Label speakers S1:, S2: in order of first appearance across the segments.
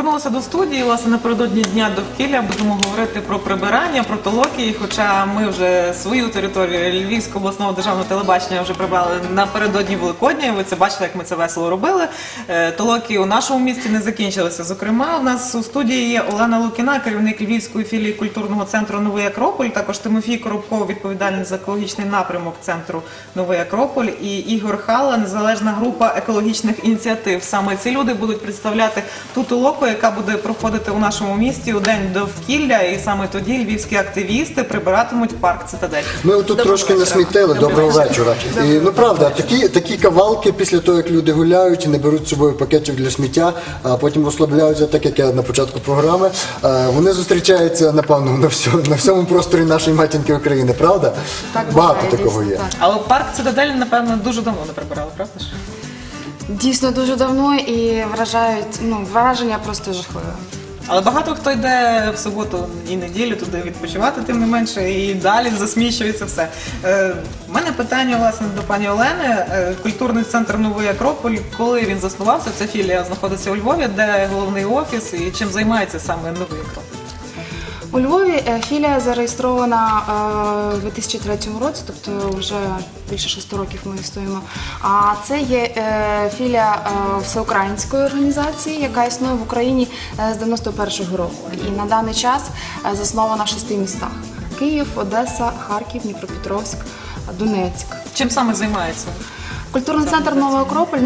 S1: повернулися до студії. Власне, напередодні Дня довкілля будемо говорити про прибирання, про толоки. Хоча ми вже свою територію Львівського обласного державного телебачення вже прибрали напередодні Великодня. Ви це бачили, як ми це весело робили. Толоки у нашому місті не закінчилися. Зокрема, у нас у студії є Олена Лукіна, керівник Львівської філії культурного центру «Новий Акрополь», також Тимофій Коробков, відповідальний за екологічний напрямок центру «Новий Акрополь», і Ігор Хала, незалежна група екологічних ініціатив. Саме ці люди будуть представляти ту толоку, яка буде проходити у нашому місті у День довкілля, і саме тоді львівські активісти прибиратимуть парк «Цитадель».
S2: Ми тут трошки насмітили. Доброго вечора. Ну, правда, такі кавалки після того, як люди гуляють і не беруть з собою пакетів для сміття, а потім розслабляються, так як я на початку програми, вони зустрічаються, напевно, на всьому просторі нашої матінки України, правда? Багато такого є.
S1: Але парк «Цитадель», напевно, дуже давно не прибирали, правда ж?
S3: Дійсно дуже давно, і враження просто жахливе.
S1: Але багато хто йде в суботу і неділю туди відпочивати, тим не менше, і далі засмічується все. У мене питання, власне, до пані Олени. Культурний центр «Новий Акрополь», коли він заснувався, ця філія знаходиться у Львові, де головний офіс і чим займається саме «Новий Акрополь»?
S3: У Львові філія зареєстрована у 2003 році, тобто вже більше 6 років ми існуємо. А це є філія всеукраїнської організації, яка існує в Україні з 91-го року. І на даний час заснована в 6 містах: Київ, Одеса, Харків, Дніпропетровськ, Донецьк.
S1: Чим саме займається?
S3: Культурний центр «Новий Акрополь»,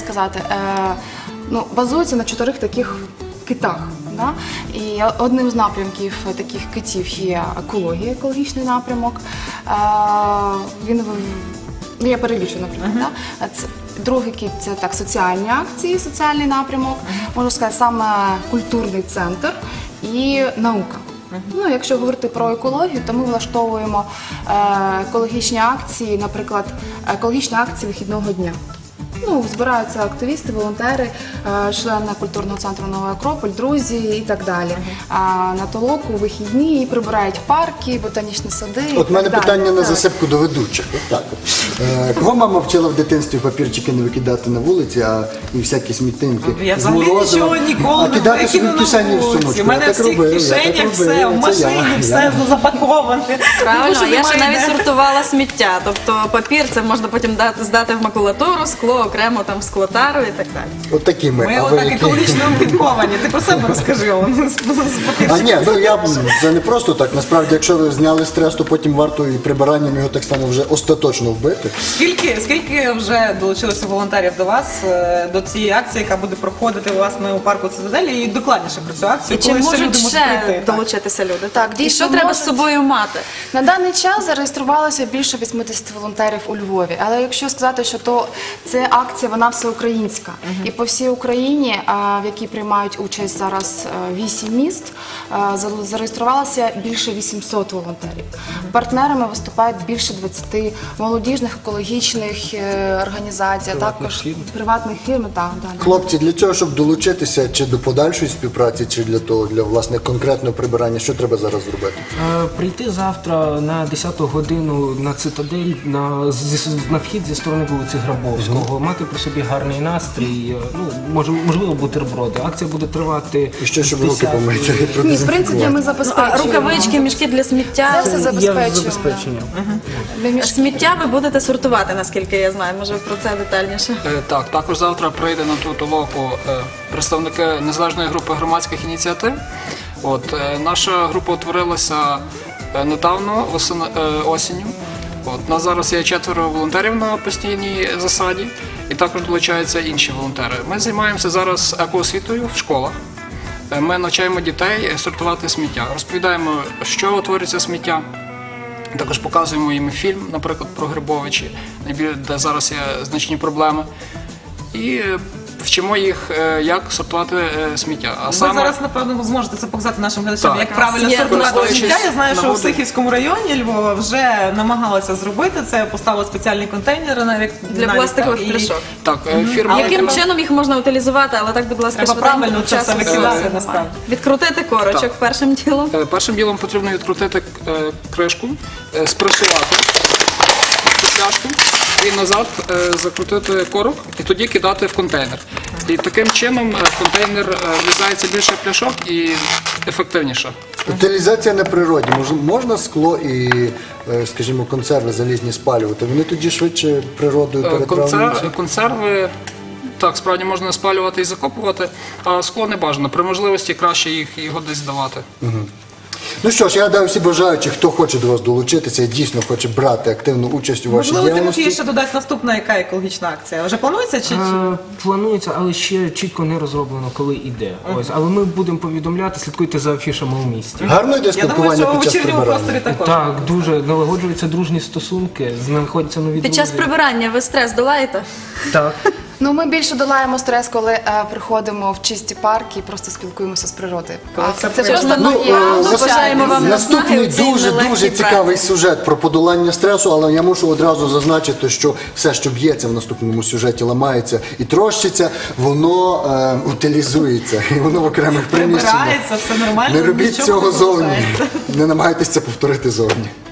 S3: базується на 4 таких китах. І одним з напрямків таких китів є екологія, екологічний напрямок. Я перелічу, наприклад. Другий кит – це соціальні акції, соціальний напрямок, можна сказати, саме культурний центр і наука. Якщо говорити про екологію, то ми влаштовуємо екологічні акції, наприклад, екологічні акції вихідного дня. Збираються активісти, волонтери, члени культурного центру «Новий Акрополь», друзі і так далі. На толоку вихідні прибирають парки, ботанічні сади.
S2: От в мене питання на засипку до ведучих. Кого мама вчила в дитинстві папірчики не викидати на вулиці, і всякі смітинки?
S1: Я взагалі нічого ніколи не викину на вулиці. У мене в всіх кишенях все, в машині все запаковане.
S4: Правильно, я ще навіть сортувала сміття. Тобто папір це можна потім здати в макулатуру, скло окремо там в склотару і так далі.
S2: От такі ми.
S1: Ми отак екологічно підковані. Ти про себе розкажи.
S2: Це не просто так. Насправді, якщо ви зняли стрес, то потім варто і прибиранням його так само вже остаточно вбити.
S1: Скільки вже долучилося волонтерів до вас, до цієї акції, яка буде проходити, власне, у парку «Цитадель», і докладніше про цю акцію?
S4: І чи можуть ще долучитися люди? І що треба з собою мати?
S3: На даний час зареєструвалося більше 80 волонтерів у Львові. Але якщо сказати, що це акція, вона всеукраїнська. І по всій Україні, в якій приймають участь зараз 8 міст, зареєструвалося більше 800 волонтерів. Партнерами виступають більше 20 молодіжних екологічних організацій, а також приватних фірм.
S2: Хлопці, для цього, щоб долучитися чи до подальшої співпраці, чи для власне конкретного прибирання, що треба зараз зробити?
S5: Прийти завтра на 10-ту годину на «Цитадель», на вхід зі сторони вулиці Грабовського, мати при собі гарний настрій, можливо, бутерброди. Акція буде тривати.
S2: І що, щоб руки помити?
S3: Ні, в принципі, ми забезпечуємо.
S4: Рукавички, мішки для сміття.
S3: Це все забезпечуємо.
S4: Сміття ви будете сортувати, наскільки я знаю. Може, про це детальніше?
S6: Так, також завтра прийде на ту толоку представники незалежної групи громадських ініціатив. Наша група утворилася недавно, осінню. На зараз є 4 волонтерів на постійній засаді, і також долучаються інші волонтери. Ми займаємося зараз екоосвітою в школах. Ми навчаємо дітей сортувати сміття, розповідаємо, що утворюється сміття. Також показуємо їм фільм, наприклад, про Грибовичі, де зараз є значні проблеми. І вчимо їх, як сортувати сміття.
S1: Ви зараз, напевно, зможете це показати нашим глядачам, як правильно сортувати сміття. Я знаю, що в Сихівському районі Львова вже намагалися зробити це, поставили спеціальні контейнери навіть
S4: для пластикових пляшок.
S6: Так,
S4: яким чином їх можна утилізувати, але так, будь ласка,
S1: треба правильно це все викидати, насправді.
S4: Відкрутити корочок першим ділом.
S6: Першим ділом потрібно відкрутити кришку, спресувати цю пляшку і назад закрутити корок і тоді кидати в контейнер. І таким чином в контейнер влізається більше пляшок і ефективніше.
S2: Утилізація на природі. Можна скло і, скажімо, консерви залізні спалювати? Вони тоді швидше природою перетравлюються?
S6: Консерви, так, справді можна спалювати і закопувати, а скло не бажано. При можливості краще його десь здавати.
S2: Ну що ж, я гадаю, всі бажаючі, хто хоче до вас долучитися і дійсно хоче брати активну участь у вашій
S1: Можливо, Тимофій
S2: діяльності.
S1: ще додасть наступна яка екологічна акція. Вже планується чи?
S5: Планується, але ще чітко не розроблено, коли іде. Ось, але ми будемо повідомляти, слідкуйте за афішами у місті.
S2: Гарно йде
S1: Я думаю,
S2: спілкування
S1: що у
S2: під час
S1: вечірньому просторі
S2: прибирання.
S1: також.
S5: Так, дуже налагоджуються дружні стосунки, знаходяться нові
S4: Під час
S5: друзі.
S4: прибирання ви стрес долаєте?
S5: Так.
S3: Ну, ми більше долаємо стрес, коли приходимо в чисті парки і просто спілкуємося з природою.
S1: Коли
S3: А
S1: це
S3: це
S1: приємно.
S3: просто
S2: Ну,
S3: моя
S4: бажаємо вам
S2: наступний
S4: наснаги у цій
S2: дуже
S4: нелегкій
S2: цікавий
S4: праці.
S2: сюжет про подолання стресу, але я мушу одразу зазначити, що все, що б'ється в наступному сюжеті, ламається і трощиться, воно утилізується, і воно в окремих приміщеннях.
S1: Прибирається, все нормально.
S2: Не робіть
S1: нічого
S2: цього
S1: не
S2: зовні.
S1: залишається.
S2: Не намагайтеся це повторити зовні.